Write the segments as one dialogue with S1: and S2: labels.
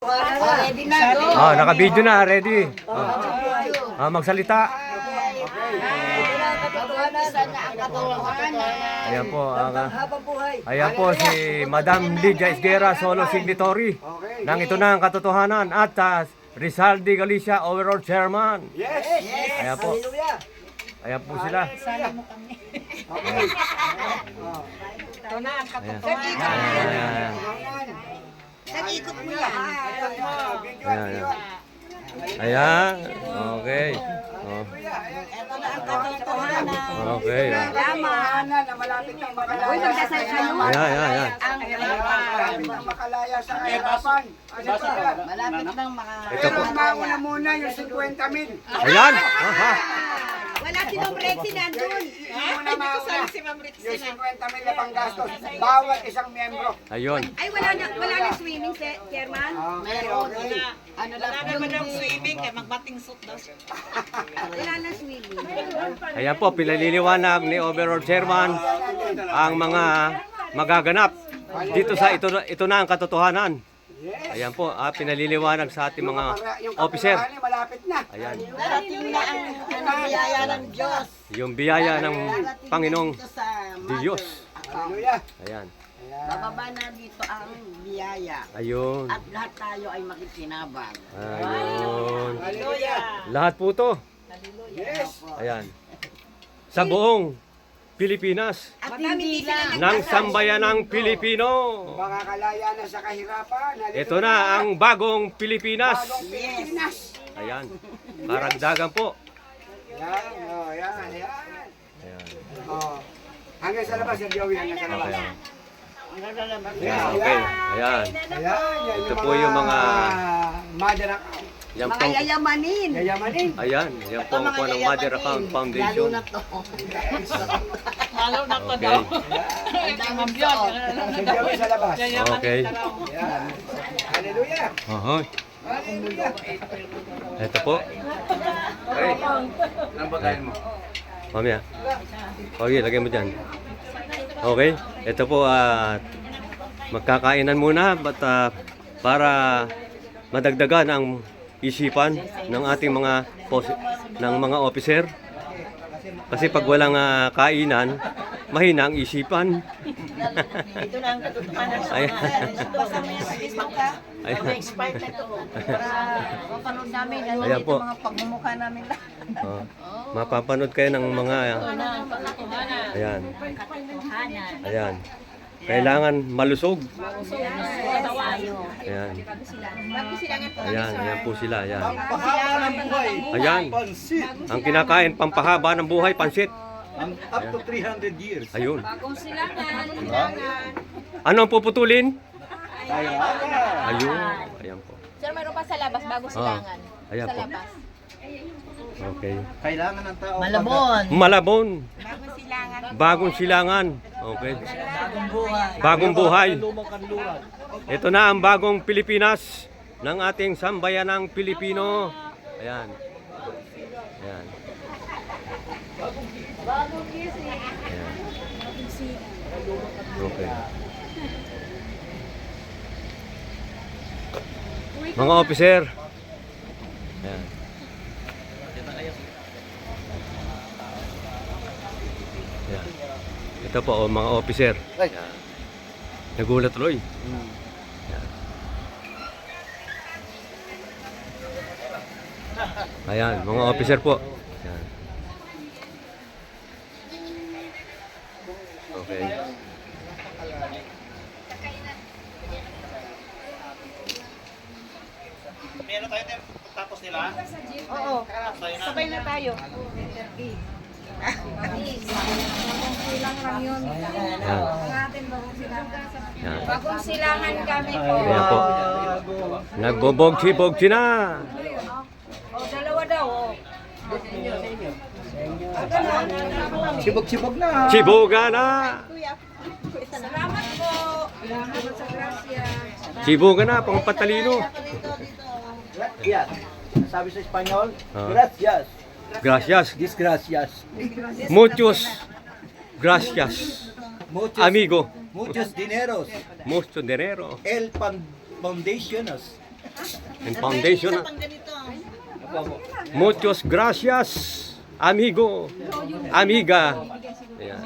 S1: Ready na, go.
S2: Naka-video na, ready. Magsalita. Ayan po, ayan po si Madam Lydia Esguera, solo signatory ng Ito Na Ang Katotohanan at Rizaldi Galicia, overall chairman.
S3: Yes!
S2: Ayan po. Ayan po sila.
S1: Sali mo kami. Ito na ang
S2: Ayan.
S1: katotohanan.
S2: Ayan.
S1: Nag-ikot mo yan.
S2: Ayan. Ayan. Okay.
S1: Ito na ang katotohanan.
S2: Okay.
S1: Laman.
S3: na malapit ng makalaya.
S1: Uy, magdasal kayo.
S2: Ayan.
S1: Ang
S3: Malapit ng makalaya sa kahirapan.
S1: malapit ng mga...
S2: Ito po.
S3: Mauna muna yung 50,000.
S2: Ayan.
S1: Wala si Ma'am Rexy nandun.
S3: Muna mauna. Yung 50,000 na panggastos. Bawat isang miyembro.
S2: Ayun.
S1: Ay, wala na swimming, Chairman.
S3: Meron.
S1: Ano lang,
S4: Wala naman swimming kaya magbating suit daw siya.
S1: wala na swimming.
S2: Ayan po, pinaliliwanag ni Overall Chairman ang mga magaganap dito sa Ito Na Ang Katotohanan. Ayan po, pinaliliwanag sa ating mga
S3: Yung
S2: officer.
S3: kapitbahay, malapit na.
S2: Ayan,
S1: Darating na ang biyaya ng Diyos.
S2: yung biyaya ng Panginoong
S1: Sa
S2: Diyos.
S3: Hallelujah.
S2: Ayan,
S1: bababa na dito ang biyaya.
S2: ayun,
S1: At lahat tayo ay makikinabang.
S2: ayun.
S3: Hallelujah.
S2: Lahat po to,
S3: Yes.
S2: ayan, sa buong Pilipinas,
S1: At hindi lang
S2: ng sambayanang Pilipino.
S3: Makakalaya na sa kahirapan.
S2: Ito na ang bagong Pilipinas.
S3: Bagong Pilipinas.
S2: Ayan, karagdagan po.
S3: Yan, yan.
S2: Ayan.
S3: Oh. Hanggang sa labas, Sir Joey, hanggang sa labas.
S2: Okay, ayan.
S3: Ayan,
S2: Ito po yung mga
S3: mother account.
S2: Yan
S1: mga
S2: po,
S1: yayamanin.
S3: Yayamanin.
S2: ayan, yan po ang po ng Mother Account Foundation.
S1: Lalo na to.
S4: Lalo na to
S2: Okay,
S4: daw.
S1: Ang daming suot.
S3: Sir Joey sa labas.
S2: okay.
S3: Yan. Hallelujah.
S2: Ahoy.
S3: Hallelujah.
S2: Ito po. Okay.
S3: Ang bagayan mo.
S2: Mamaya. Okay, lagay mo dyan. Okay. Ito po, magkakainan muna para madagdagan ang isipan ng ating mga officer. Kasi pag walang kainan, mahina ang isipan.
S1: Ito na ang katotohanan sa
S2: Ayan.
S1: basta mo yung Facebook ka.
S2: Ayan.
S1: Expired na to. Para mapanood namin. Ano
S2: Ayan
S1: dito
S2: po.
S1: mga pagmumukha namin lahat.
S2: Mapapanood kayo ng mga...
S1: Katotohanan.
S2: Ayan.
S1: Katotohanan.
S2: Ayan. Kailangan malusog.
S1: Tayo.
S2: Ayan. Ayan, ayan po sila. Ayan.
S5: Pampahaba ng buhay.
S2: Ayan.
S5: Pansit.
S2: Ang kinakain, pampahaba ng buhay, pansit.
S5: Up to 300 years.
S2: Ayun.
S1: Bagong silangan.
S2: Ano ang puputulin?
S5: Kaya
S2: Ayun. Ayan po.
S6: Sir, mayroon pa sa labas, bago silangan.
S2: Ayan
S6: Sa
S2: po.
S6: labas.
S2: Okay.
S5: kailangan ng tao.
S1: Malabon.
S2: Malabon.
S1: Bagong silangan.
S2: Bagong silangan. Okay. Bagong buhay. Ito na ang bagong Pilipinas ng ating sambayanang Pilipino. Ayan. Ayan. Ayan. Okay. Mga officer. Ayan. Ayan. Ito po, mga officer. Ayan. Nagulat tuloy. Ayan, mga officer po. Ayan. Okay.
S4: Meron tayo tapos nila.
S6: Oo, sabay na tayo.
S2: Ayan. Ayan.
S6: Bagong silangan kami po.
S2: Ayan po. Nagbobogsi-bogsi na.
S6: O, dalawa daw. O.
S5: Sibog-sibog na.
S2: Sibuga na.
S6: Salamat po. Salamat sa grasya.
S2: Sibuga na, pang patalino.
S5: Gracias. Sabi sa Espanyol,
S2: Ah.
S5: gracias.
S2: Gracias.
S5: Disgracias.
S2: Muchos gracias,
S5: Muchos,
S2: amigo.
S5: muchos dineros.
S2: Mucho dinero.
S5: Foundationos.
S2: and foundation.
S4: Pang ganito.
S2: Muchos gracias, amigo, amiga. Ayan.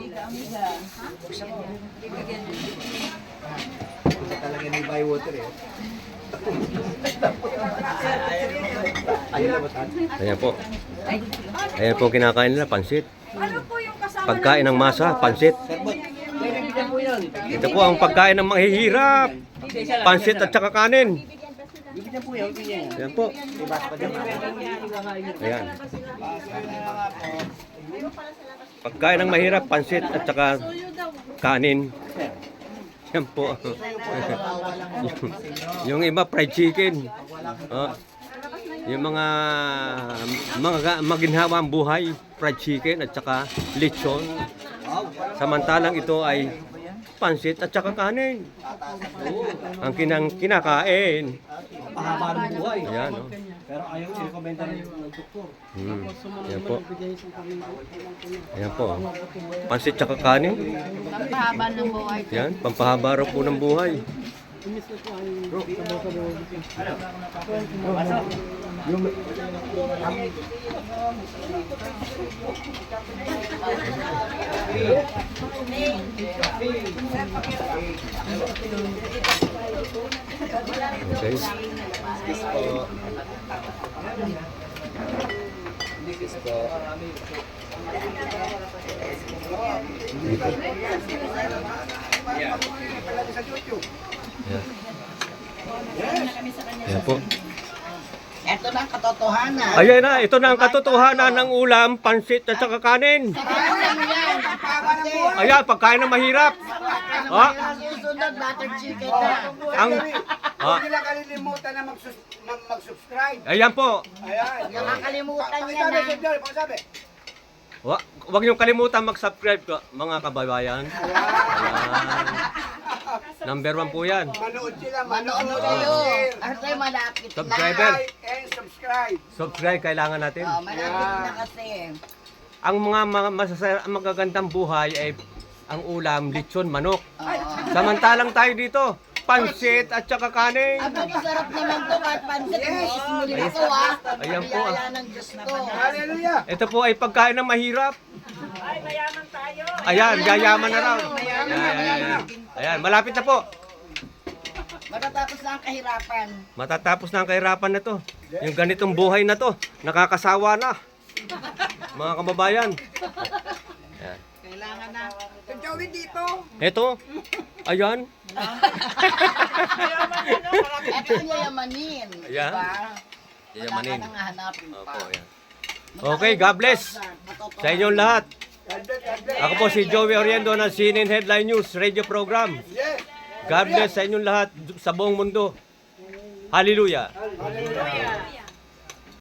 S5: Isa talaga ni buy water eh. Ayun na ba saan?
S2: Ayan po. Ayan po ang kinakain nila, pansit.
S6: Ano po yung kasama?
S2: Pagkain ng masa, pansit. Ito po ang pagkain ng mahihirap. Pansit at saka kanin. Ayan po. Ayan. Pagkain ng mahirap, pansit at saka kanin. Yan po. Yung iba, fried chicken. Oh. Yung mga maginhawang buhay, fried chicken at saka lechon. Samantalang ito ay pansit at saka kanin. Ang kinakain.
S5: Pahaba ng buhay.
S2: Ayan, oh.
S5: Pero ayaw i-recommenda ng doktor.
S2: Ayan po. Ayan po. Pansit tsaka kanin.
S1: Pampahaba ng buhay.
S2: Yan, pampahaba raw po ng buhay. Okay. Ayan po.
S4: Ito na ang katotohanan.
S2: Ayan na, ito na ang katotohanan ng ulam, pansit at saka kanin. Ayan, pagkain ng mahirap. Ah,
S4: Susunod, butter chicken na.
S2: ang
S3: Huwag nila kalilimutan na mag-subscribe.
S2: ayan po.
S3: Ayan.
S4: Nakakalimutan niya
S3: Pagsabi,
S4: na.
S3: Sir, pagsabi.
S2: Huwag niyong kalimutan mag-subscribe ko, mga kababayan. Ayan. Number 1 po yan.
S3: Manood sila,
S4: Manood
S3: manood.
S4: kayo.
S3: Share,
S4: Kasi malapit na.
S2: Subscriber.
S3: like, and subscribe.
S2: Subscribe kailangan natin.
S4: Oh, malapit na kasi.
S2: Ang mga magagandang buhay ay ang ulam, lechon, manok. Samantalang tayo dito, pansit at saka kanin.
S4: Aba, masarap naman to kahit pansit. Yes, muli ito ah.
S2: Ayan po.
S4: Biyaya ng Diyos to.
S3: Hallelujah.
S2: Ito po ay pagkain ng mahirap. Ay, mayaman tayo. Ayan, yayaman na raw. Ayan. Ayan, malapit na po.
S4: Matatapos na ang kahirapan.
S2: Matatapos na ang kahirapan na to. Yung ganitong buhay na to, nakakasawa na. Mga kababayan. Ayan.
S4: Kailangan na.
S3: Joey dito.
S2: Ito, ayan.
S4: Ito ang yayamanin.
S2: Ayan.
S4: Diba?
S2: Yayamanin.
S4: Wala ka nang hahanapin pa.
S2: Opo, ayan. Okay, God bless sa inyong lahat. Ako po si Joey Oriendo ng CNN Headline News Radio Program.
S3: Yes.
S2: God bless sa inyong lahat sa buong mundo. Hallelujah.
S3: Hallelujah.